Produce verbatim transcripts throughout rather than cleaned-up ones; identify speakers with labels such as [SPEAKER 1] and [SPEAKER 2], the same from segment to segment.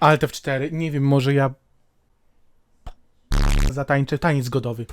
[SPEAKER 1] Alt F cztery. Nie wiem, może ja... Zatańczę taniec zgodowy.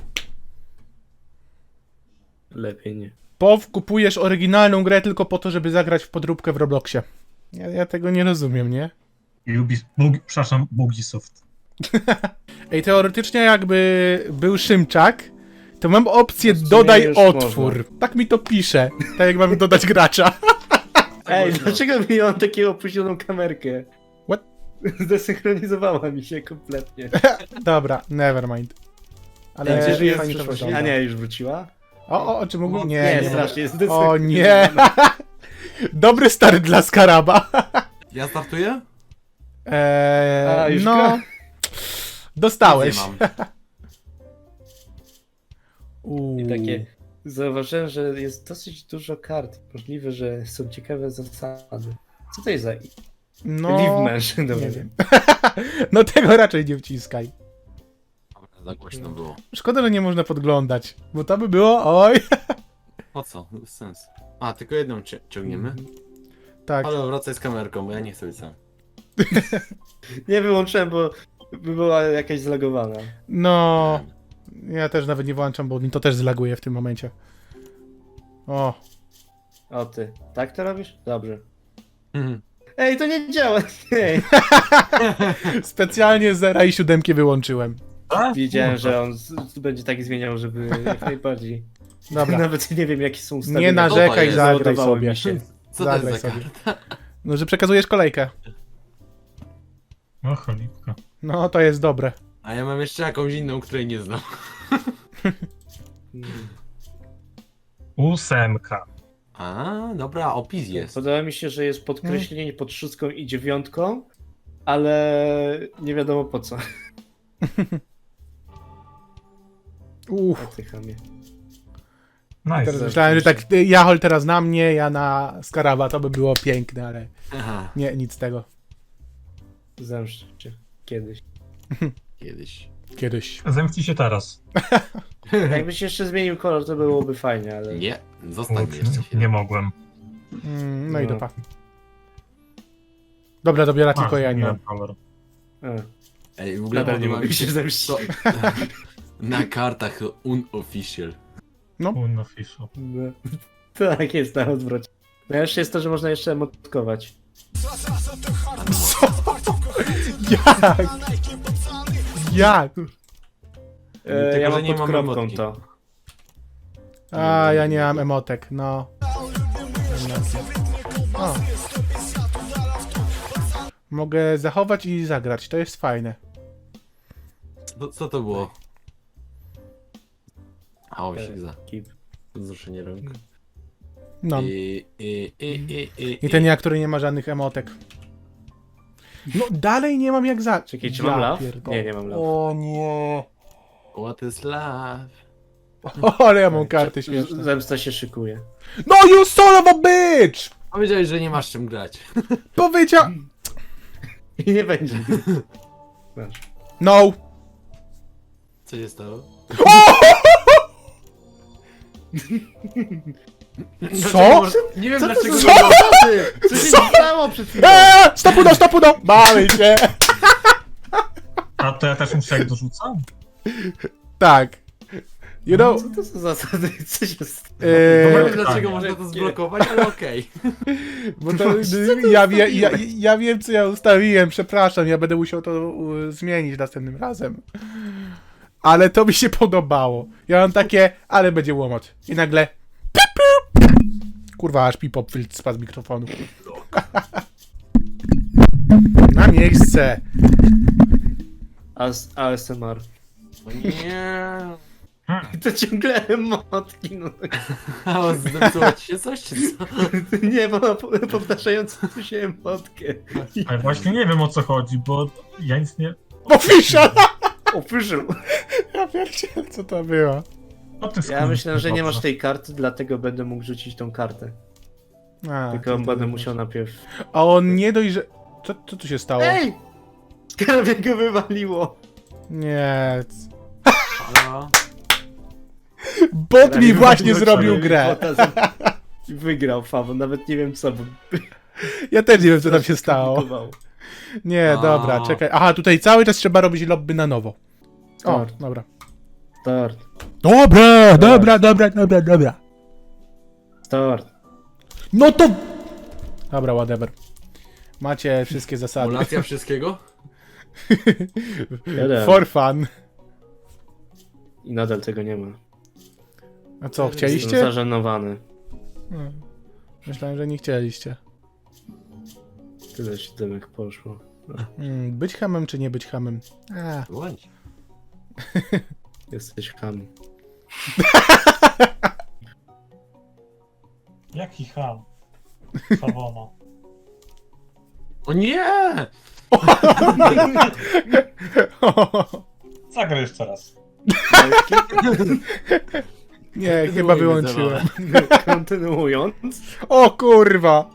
[SPEAKER 2] Lepiej nie.
[SPEAKER 1] Pow, kupujesz oryginalną grę tylko po to, żeby zagrać w podróbkę w Robloxie. Ja, ja tego nie rozumiem, nie?
[SPEAKER 3] Ubis... Bug... Przepraszam, Ubisoft.
[SPEAKER 1] Ej, teoretycznie jakby był Szymczak, to mam opcję
[SPEAKER 2] W sumie
[SPEAKER 1] dodaj
[SPEAKER 2] już
[SPEAKER 1] otwór.
[SPEAKER 2] można.
[SPEAKER 1] Tak mi to pisze. Tak jak mam dodać gracza.
[SPEAKER 2] Ej, dlaczego mi mam taką opóźnioną kamerkę?
[SPEAKER 1] What?
[SPEAKER 2] Zdesynchronizowała mi się kompletnie.
[SPEAKER 1] Dobra, nevermind. Ale
[SPEAKER 2] Ale gdzie żyje w
[SPEAKER 1] fajnie to
[SPEAKER 2] przyszłości?
[SPEAKER 1] wygląda.
[SPEAKER 2] A nie, już wróciła?
[SPEAKER 1] O, o, o czym mógł? Nie,
[SPEAKER 2] Nie,
[SPEAKER 1] nie.
[SPEAKER 2] strasznie jest
[SPEAKER 1] O nie! Dobry start dla Skaraba.
[SPEAKER 4] Ja startuję?
[SPEAKER 1] Eee,
[SPEAKER 2] A, już
[SPEAKER 1] no.
[SPEAKER 2] gra?
[SPEAKER 1] Dostałeś.
[SPEAKER 4] Nie mam.
[SPEAKER 1] Uuu.
[SPEAKER 2] I takie... Zauważyłem, że jest dosyć dużo kart. Możliwe, że są ciekawe zasady. Co to jest za...
[SPEAKER 1] No,
[SPEAKER 2] Live Mansion, dobra.
[SPEAKER 1] nie wiem. No tego raczej nie wciskaj.
[SPEAKER 4] Dobra, za głośno było.
[SPEAKER 1] Szkoda, że nie można podglądać, bo to by było, oj.
[SPEAKER 4] Po co? Bez sensu. A, tylko jedną cie- ciągniemy?
[SPEAKER 1] Tak.
[SPEAKER 4] Ale wracaj z kamerką, bo ja nie chcę być sam.
[SPEAKER 2] Nie wyłączyłem, bo by była jakaś zlagowana.
[SPEAKER 1] No, ja też nawet nie włączam, bo mi to też zlaguje w tym momencie. O,
[SPEAKER 2] O ty, tak to robisz? Dobrze.
[SPEAKER 4] Mhm.
[SPEAKER 2] Ej, to nie działa! Ej.
[SPEAKER 1] specjalnie zera i siódemki wyłączyłem.
[SPEAKER 3] A?
[SPEAKER 2] Wiedziałem,
[SPEAKER 3] Kurwa.
[SPEAKER 2] że on z- z- będzie tak zmieniał, żeby jak najbardziej.
[SPEAKER 1] Dobra,
[SPEAKER 2] Nawet nie wiem, jakie są ustawienia.
[SPEAKER 1] nie narzekaj,
[SPEAKER 4] jest?
[SPEAKER 1] zagraj
[SPEAKER 2] Załadowało
[SPEAKER 1] sobie.
[SPEAKER 2] mi się.
[SPEAKER 4] Co to
[SPEAKER 1] Zagraj
[SPEAKER 4] jest za
[SPEAKER 1] sobie.
[SPEAKER 4] karta?
[SPEAKER 1] No, że przekazujesz kolejkę.
[SPEAKER 3] O, cholipka.
[SPEAKER 1] No, to jest dobre.
[SPEAKER 4] A ja mam jeszcze jakąś inną, której nie znam.
[SPEAKER 3] Ósemka.
[SPEAKER 4] A, dobra, opis jest.
[SPEAKER 2] Podoba mi się, że jest podkreślenie pod szóstką i dziewiątką, ale nie wiadomo po co. O
[SPEAKER 1] Uff.
[SPEAKER 2] ty chamie.
[SPEAKER 3] Nice.
[SPEAKER 1] Teraz myślałem, że tak y, Jachol teraz na mnie, ja na Skaraba, to by było piękne, ale
[SPEAKER 4] Aha,
[SPEAKER 1] nie, nic z tego.
[SPEAKER 2] Zemszczę cię kiedyś.
[SPEAKER 4] kiedyś.
[SPEAKER 1] Kiedyś.
[SPEAKER 3] Zemknij się teraz.
[SPEAKER 2] Jakbyś jeszcze zmienił kolor, to byłoby fajnie, ale...
[SPEAKER 4] Nie, zostań
[SPEAKER 3] Ups,
[SPEAKER 4] jeszcze chwilę.
[SPEAKER 3] nie mogłem.
[SPEAKER 1] Mm, no i
[SPEAKER 2] No.
[SPEAKER 1] dupa. Dobra, dobiera tylko
[SPEAKER 3] A,
[SPEAKER 1] ja
[SPEAKER 3] zmieniłem
[SPEAKER 1] nie.
[SPEAKER 3] kolor.
[SPEAKER 2] A,
[SPEAKER 4] Ej, w ogóle
[SPEAKER 2] nadal nie
[SPEAKER 4] podoba
[SPEAKER 2] mogę
[SPEAKER 4] mi
[SPEAKER 2] się
[SPEAKER 4] się
[SPEAKER 2] zemścić.
[SPEAKER 4] to... Na kartach unofficial.
[SPEAKER 3] Unofficial.
[SPEAKER 2] No. Tak jest na odwrocie. Najlepsze jest to, że można jeszcze emotkować.
[SPEAKER 1] Jak? Jak?
[SPEAKER 2] E,
[SPEAKER 4] Tylko,
[SPEAKER 2] ja
[SPEAKER 4] że
[SPEAKER 2] mam
[SPEAKER 4] nie
[SPEAKER 2] pod
[SPEAKER 4] mam
[SPEAKER 2] kropką
[SPEAKER 4] emotki.
[SPEAKER 2] to.
[SPEAKER 1] A, ja nie mam emotek, no. O. Mogę zachować i zagrać, to jest fajne.
[SPEAKER 4] Co, co to było? A, osik za.
[SPEAKER 2] Keep.
[SPEAKER 4] Wzruszenie rąk.
[SPEAKER 1] No.
[SPEAKER 4] I, i, i, i, i,
[SPEAKER 1] I ten ja, który nie ma żadnych emotek. No, dalej nie mam jak za...
[SPEAKER 2] Czekaj, czy mam love?
[SPEAKER 1] pierdolę.
[SPEAKER 2] Nie, nie mam love.
[SPEAKER 1] O nie.
[SPEAKER 4] What is love?
[SPEAKER 1] O, ale ja mam karty śmieszne.
[SPEAKER 2] Zemsta się szykuje.
[SPEAKER 1] No, you son of a bitch!
[SPEAKER 4] Powiedziałeś, że nie masz czym grać.
[SPEAKER 1] Powiedział...
[SPEAKER 2] I nie będzie. Masz.
[SPEAKER 1] No.
[SPEAKER 4] Co się stało?
[SPEAKER 1] Co?
[SPEAKER 4] Nie wiem
[SPEAKER 2] Co to
[SPEAKER 4] dlaczego.
[SPEAKER 2] za zasady? Co się stało przed chwilą?
[SPEAKER 1] Eee, stopuno, stopuno! Mamy się!
[SPEAKER 3] A to ja też muszę jak dorzucam?
[SPEAKER 1] Tak. You know...
[SPEAKER 2] Co to za zasady? Co się stało?
[SPEAKER 4] Nie
[SPEAKER 1] Eee,
[SPEAKER 4] wiem dlaczego można to zblokować, ale okej.
[SPEAKER 1] bo to, ja, wie, ja, ja wiem, co ja ustawiłem, przepraszam, ja będę musiał to u, zmienić następnym razem. Ale to mi się podobało. Ja mam takie, ale będzie łomot. I nagle... Pip, pip. Kurwa, aż pipop spadł z mikrofonu. Na miejsce.
[SPEAKER 2] As- A S M R.
[SPEAKER 4] O nie.
[SPEAKER 2] To ciągle emotki, no.
[SPEAKER 4] A zepsuło ci się coś, czy co?
[SPEAKER 2] Nie, bo ma po- powtarzającą się emotkę.
[SPEAKER 3] Ale właśnie nie wiem o co chodzi, bo ja nic nie...
[SPEAKER 1] Official!
[SPEAKER 2] Official.
[SPEAKER 1] Ja pierdzielę, co to było.
[SPEAKER 3] O, ty
[SPEAKER 2] Ja
[SPEAKER 3] skurcz-
[SPEAKER 2] myślę, że nie masz
[SPEAKER 3] dobrze.
[SPEAKER 2] tej karty, dlatego będę mógł rzucić tą kartę.
[SPEAKER 1] A,
[SPEAKER 2] Tylko
[SPEAKER 1] to-
[SPEAKER 2] będę musiał najpierw...
[SPEAKER 1] A on nie dość, że... Co, co tu się stało?
[SPEAKER 2] Ej! Skarbie go wywaliło.
[SPEAKER 1] Nie.
[SPEAKER 4] Halo?
[SPEAKER 1] Bot mi właśnie
[SPEAKER 2] Wywaliło
[SPEAKER 1] zrobił
[SPEAKER 2] cię,
[SPEAKER 1] grę.
[SPEAKER 2] bota za- I wygrał Fawo, nawet nie wiem co, bo
[SPEAKER 1] Ja też nie wiem, co tam się stało.
[SPEAKER 2] komplikowało.
[SPEAKER 1] Nie,
[SPEAKER 4] A.
[SPEAKER 1] dobra, czekaj. Aha, tutaj cały czas trzeba robić lobby na nowo. O,
[SPEAKER 2] Tort.
[SPEAKER 1] dobra.
[SPEAKER 2] Start.
[SPEAKER 1] Dobra, dobra, dobra, dobra, dobra.
[SPEAKER 2] Start.
[SPEAKER 1] No to... Dobra, whatever. Macie wszystkie zasady.
[SPEAKER 4] Simulacja wszystkiego?
[SPEAKER 2] Jeden.
[SPEAKER 1] For fun.
[SPEAKER 2] I nadal tego nie ma.
[SPEAKER 1] A co,
[SPEAKER 2] Jestem
[SPEAKER 1] chcieliście?
[SPEAKER 2] zażenowany.
[SPEAKER 1] Hmm. Myślałem, że nie chcieliście.
[SPEAKER 2] Tyle siódemek poszło.
[SPEAKER 1] Hmm, być hamem czy nie być hamem? A.
[SPEAKER 4] Bądź.
[SPEAKER 2] Jesteś ham.
[SPEAKER 3] Jaki ham? Sawona.
[SPEAKER 4] O nie!
[SPEAKER 3] Zagraj jeszcze raz.
[SPEAKER 1] Nie, chyba wyłączyłem.
[SPEAKER 2] Kontynuując.
[SPEAKER 1] O kurwa!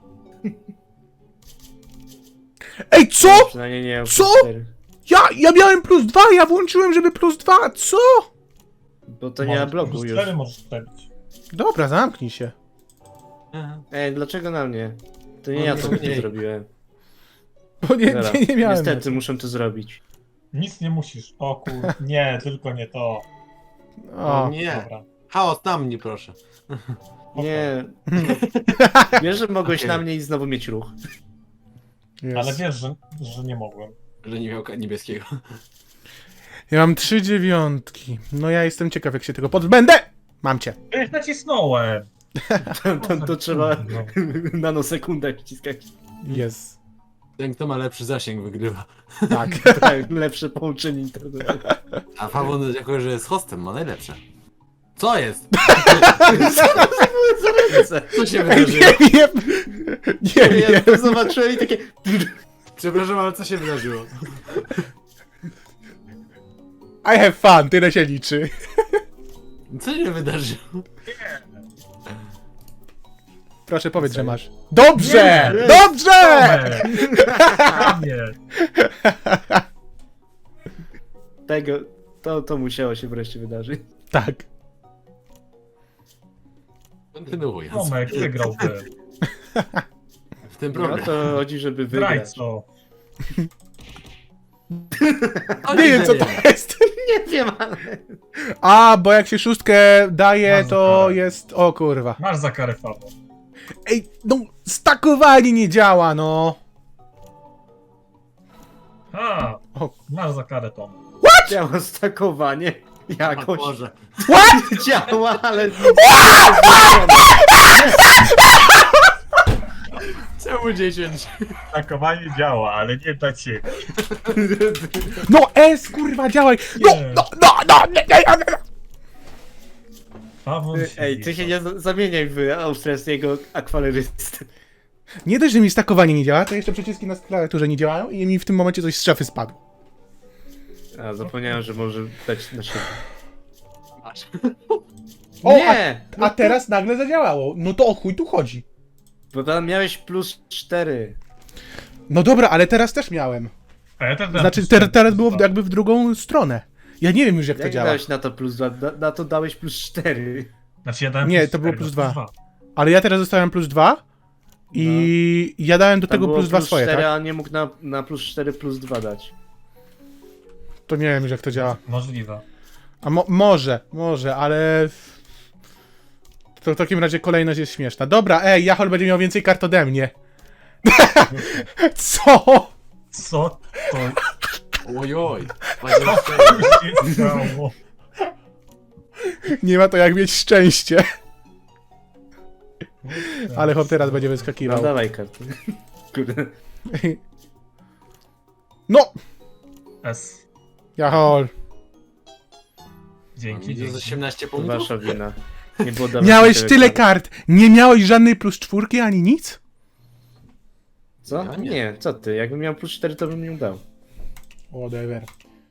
[SPEAKER 1] Ej, co?
[SPEAKER 2] Przynajmniej nie.
[SPEAKER 1] Co?
[SPEAKER 2] cztery.
[SPEAKER 1] Ja, ja miałem plus dwa, ja włączyłem, żeby plus dwa, co?
[SPEAKER 2] Bo to nie ma bloku
[SPEAKER 3] Plus
[SPEAKER 2] już.
[SPEAKER 3] cztery możesz wstawić.
[SPEAKER 1] Dobra, zamknij się.
[SPEAKER 2] Ej, dlaczego na mnie? To nie
[SPEAKER 4] No
[SPEAKER 2] ja
[SPEAKER 4] nie,
[SPEAKER 2] to
[SPEAKER 4] nie.
[SPEAKER 2] nie zrobiłem.
[SPEAKER 1] Bo nie,
[SPEAKER 2] Dobra.
[SPEAKER 1] nie, nie miałem.
[SPEAKER 2] Niestety muszę to zrobić.
[SPEAKER 3] Nic nie musisz. O kur... Nie, tylko nie to.
[SPEAKER 1] O,
[SPEAKER 4] Nie.
[SPEAKER 3] Dobra.
[SPEAKER 4] Chaos na mnie, proszę.
[SPEAKER 2] Nie. Wiesz, że mogłeś
[SPEAKER 4] Okej.
[SPEAKER 2] na mnie i znowu mieć ruch.
[SPEAKER 1] jest.
[SPEAKER 3] Ale wiesz, że, że nie mogłem.
[SPEAKER 4] Że nie miał ka- niebieskiego.
[SPEAKER 1] Ja mam trzy dziewiątki. No ja jestem ciekaw, jak się tego pozbędę! Mam cię.
[SPEAKER 3] Ja nacisnąłem.
[SPEAKER 2] To, to, to trzeba
[SPEAKER 3] No.
[SPEAKER 2] nanosekundę wciskać.
[SPEAKER 1] Jest.
[SPEAKER 4] Ten, kto ma lepszy zasięg, wygrywa.
[SPEAKER 1] Tak.
[SPEAKER 2] Tak, lepsze połączenie internetu.
[SPEAKER 4] A Pawon, jako że jest hostem, ma najlepsze. Co jest? Co się
[SPEAKER 1] Ej,
[SPEAKER 4] wydarzyło?
[SPEAKER 1] nie wiem! Nie
[SPEAKER 2] Ja
[SPEAKER 1] wiem.
[SPEAKER 2] to zobaczyłem i takie...
[SPEAKER 4] Przepraszam, ale co się wydarzyło?
[SPEAKER 1] I have fun, tyle się liczy.
[SPEAKER 4] Co się wydarzyło?
[SPEAKER 1] Proszę powiedz, że masz. Dobrze!
[SPEAKER 3] Nie!
[SPEAKER 1] Dobrze!
[SPEAKER 3] Nie.
[SPEAKER 2] Tego... To, to musiało się wreszcie wydarzyć.
[SPEAKER 1] Tak.
[SPEAKER 4] Kontynuując.
[SPEAKER 3] Tomek, wygrałby.
[SPEAKER 4] W tym
[SPEAKER 2] No
[SPEAKER 4] problem.
[SPEAKER 2] to chodzi, żeby wygrać.
[SPEAKER 3] Zdrajco.
[SPEAKER 4] O,
[SPEAKER 1] Nie wiem, co to jest.
[SPEAKER 2] Nie wiem, ale...
[SPEAKER 1] A, bo jak się szóstkę daje,
[SPEAKER 3] Masz
[SPEAKER 1] to
[SPEAKER 3] karę.
[SPEAKER 1] jest... O kurwa.
[SPEAKER 3] Masz za karę Fabo.
[SPEAKER 1] Ej, no, stakowanie nie działa, no.
[SPEAKER 3] A,
[SPEAKER 1] O.
[SPEAKER 3] masz za karę Tom.
[SPEAKER 2] Działa stakowanie.
[SPEAKER 4] O
[SPEAKER 2] Jakoś
[SPEAKER 4] Boże.
[SPEAKER 2] działa, ale...
[SPEAKER 4] Czemu dziesięć?
[SPEAKER 3] Takowanie działa, ale nie dla ciebie.
[SPEAKER 1] No, S, kurwa, działaj. No,
[SPEAKER 3] Nie.
[SPEAKER 1] no, no, no, nie, nie, nie, nie.
[SPEAKER 3] Pawon
[SPEAKER 2] Ej, ty się nie za- zamieniaj w austriackiego akwalerystę.
[SPEAKER 1] Nie dość, że mi stakowanie nie działa, to jeszcze przyciski na klawiaturze nie działają i mi w tym momencie coś z szafy spadło.
[SPEAKER 2] A, zapomniałem, że może dać na siebie.
[SPEAKER 4] Masz.
[SPEAKER 1] O,
[SPEAKER 2] Nie!
[SPEAKER 1] A teraz nagle zadziałało. No to o chuj tu chodzi.
[SPEAKER 2] Bo tam miałeś plus cztery.
[SPEAKER 1] No dobra, ale teraz też miałem.
[SPEAKER 3] A ja też dałem
[SPEAKER 1] Znaczy,
[SPEAKER 3] plus
[SPEAKER 1] ter
[SPEAKER 3] cztery,
[SPEAKER 1] teraz było
[SPEAKER 3] plus
[SPEAKER 1] jakby w drugą stronę. Ja nie wiem już, jak to
[SPEAKER 2] Jak
[SPEAKER 1] działa.
[SPEAKER 2] dałeś na to plus dwa? Da, na to dałeś plus cztery.
[SPEAKER 3] dwa. Znaczy ja dałem
[SPEAKER 1] Nie,
[SPEAKER 3] plus
[SPEAKER 1] to było
[SPEAKER 3] cztery,
[SPEAKER 1] plus
[SPEAKER 3] no,
[SPEAKER 1] dwa. Ale ja teraz dostałem plus dwa i ja dałem do
[SPEAKER 2] Tam
[SPEAKER 1] tego
[SPEAKER 2] było
[SPEAKER 1] plus dwa swoje,
[SPEAKER 2] cztery,
[SPEAKER 1] tak?
[SPEAKER 2] a nie mógł na, na plus cztery plus dwa dać.
[SPEAKER 1] To nie wiem już, jak to działa.
[SPEAKER 3] Możliwe.
[SPEAKER 1] A mo może, może, ale... To w takim razie kolejność jest śmieszna. Dobra, ej, Jachol będzie miał więcej kart ode mnie. Co?
[SPEAKER 3] Co to
[SPEAKER 4] Ojoj.
[SPEAKER 3] się stało?
[SPEAKER 1] Nie ma to jak mieć szczęście. Ale chłop teraz będzie
[SPEAKER 2] No
[SPEAKER 1] wyskakiwał.
[SPEAKER 2] dawaj kartę. Kurde.
[SPEAKER 1] No!
[SPEAKER 3] S.
[SPEAKER 1] Jachol.
[SPEAKER 3] Dzięki,
[SPEAKER 4] Minus
[SPEAKER 3] dzięki.
[SPEAKER 4] osiemnaście
[SPEAKER 2] To
[SPEAKER 4] punktów?
[SPEAKER 2] wasza wina. Nie było dawać
[SPEAKER 1] Miałeś
[SPEAKER 2] mi
[SPEAKER 1] tyle
[SPEAKER 2] kart.
[SPEAKER 1] kart. Nie miałeś żadnej plus czwórki ani nic?
[SPEAKER 2] Co?
[SPEAKER 4] Ja nie.
[SPEAKER 2] Nie, co ty? Jakbym miał plus cztery, to bym nie dał.
[SPEAKER 1] Whatever.